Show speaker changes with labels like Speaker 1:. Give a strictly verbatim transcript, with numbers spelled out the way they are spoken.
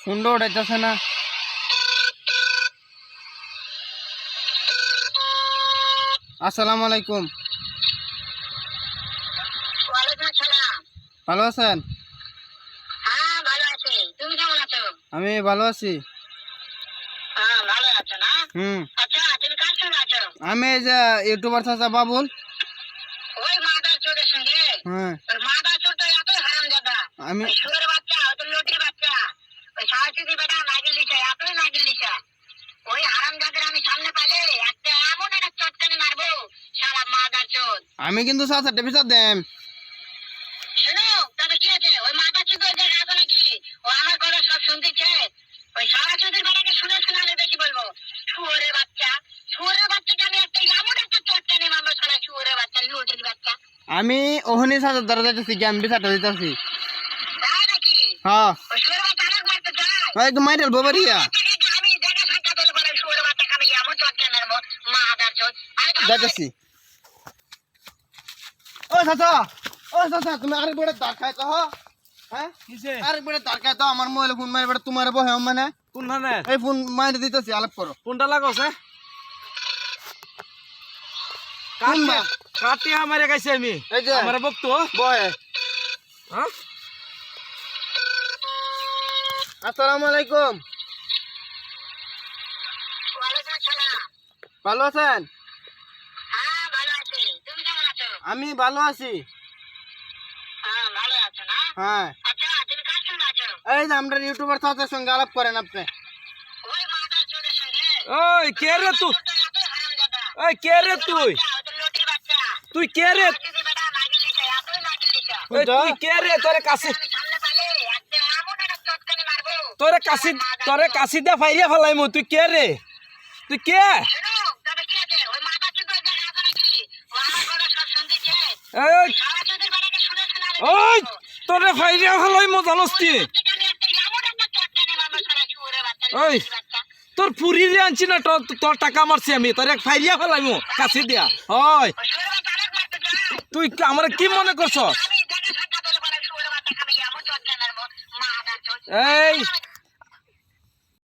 Speaker 1: সুন্দর উঠাইতেছে না। আসসালামু আলাইকুম। ভালো আছেন? আমি ভালো আছি। হুম আমি এই যে ইউটিউবার চাচা বাবুল। হ্যাঁ আমি আমি কিন্তু চাচা টেপিসা দেম। আমি ওহনি চাচার দ্বারা যাইতেছি গেম বিচারটা দিতেছি। হ্যাঁ একটু মাইরেল বাবারিয়া যাইতেছি। ও চাচা ও চাচা তুমি আরেক বেড়ে দাঁড় খাইতো হ্যাঁ আরেক বেড়ে দাঁড় খাইতো আমার মোবাইলে ফোন মারি বেড়ে তোমার বহে মানে
Speaker 2: কোন ধরনের
Speaker 1: এই ফোন মাইরে দিতেছি আলাপ করো।
Speaker 2: কোনটা লাগছে
Speaker 1: কোনবা
Speaker 2: কাটি আমারে গাইছে আমি
Speaker 1: এই যে
Speaker 2: আমারে বকতো
Speaker 1: বহে।
Speaker 2: হ্যাঁ
Speaker 1: আসসালামু আলাইকুম। ভালো আছেন? আমি ভালো আছি। হ্যাঁ এই যে আমরা ইউটিউবার চাচার সঙ্গে আলাপ করেন আপনি।
Speaker 2: ওই কে রে তুই ওই কে রে তুই তুই কে রে ওই তুই কে রে তোরে কাছে তোরে কাছে তোরে কাছে দে ফাইয়া ফেলাইমু তুই কে রে তুই কে ওই ওই তোরে ফাইয়া ফেলাইমু জানোস তুই ওই তোর পুরি রে আনছি না তোর তোর টাকা মারছি আমি তোর এক ফাইলিয়া ফেলাইমু কাছে দিয়া ওই তুই আমার কি মনে করছ এই